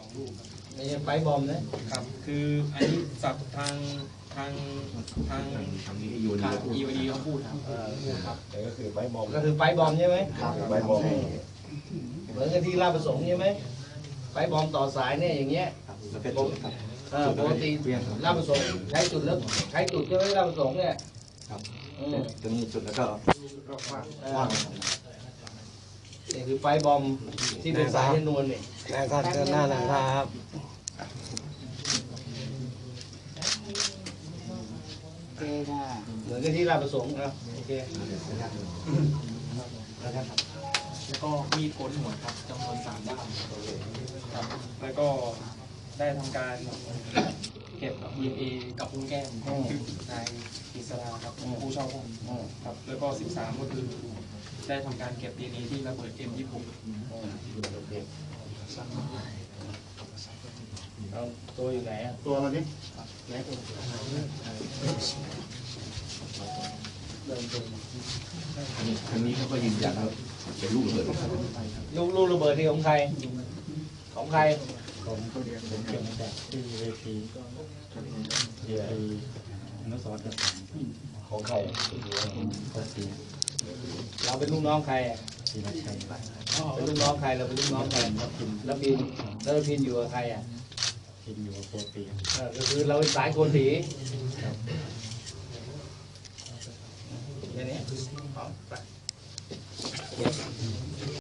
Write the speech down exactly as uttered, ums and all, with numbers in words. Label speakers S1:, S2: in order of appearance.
S1: ลูกครับ
S2: ไม่ใช่ไฟบอมนะครับ
S1: คืออันนี้สับทางทางทางทางอีวดีเขาพูดครับครับ
S3: ก็คือไฟบอม
S2: ก็คือไฟบอมใช่ไหม
S3: ครับไฟบอม
S2: เหมือนกับที่ราชประสงค์ใช่ไหมไฟบอมต่อสายเนี่ยอย่างเงี้ยปกติราชประสงค์ใช้จุดแล้วใช้จุดใช่ไหมราชประสงค์เนี่ย
S3: จะมีจุดแล้วก็
S2: ว่างนี่คือไฟบอมที่เป็นสายชนวนนี่
S3: แม่ก็เดินหน้านะครับ
S2: เหมือนกับที่ราชประสงค์นะโอเค
S1: แล้วก็มีดโกนหัวครับจำนวนสามด้ามครับแล้วก็ได้ทำการเก็บ ดี เอ็น เอ กับพุ้งแก้มของนายอิสราครับผู้เช่าห้องครับแล้วก็สิบสามก็คือได้ทำการเก็บ ดี เอ็น เอ ที่ระเบิด เอ็ม ยี่สิบหก
S2: เอาตัวอยู่ไหนอ่ะ
S3: ตัวเราดิอันนี้เขาก็ยืนยันว่าเป็นลูกระเบิด
S2: ลูกลูกระเบิดที่ของใครของใคร
S4: ผมก็เรียนผมเก็บมาจากที่เวทีเวทีนักสอนกับ
S2: ของใคร
S4: ก็เสีย
S2: เราเป็นลูกน้องใครอ่ะ
S4: ทีนักชัย
S2: เป็นลูกน้องใครเราเป็นลูกน้องใครแล้วพินแล้วพินอยู่กับใครอ่ะ
S4: พินอยู่กับโปรตีน
S2: ก็คือเราเป็นสายโกนสีแค่นี้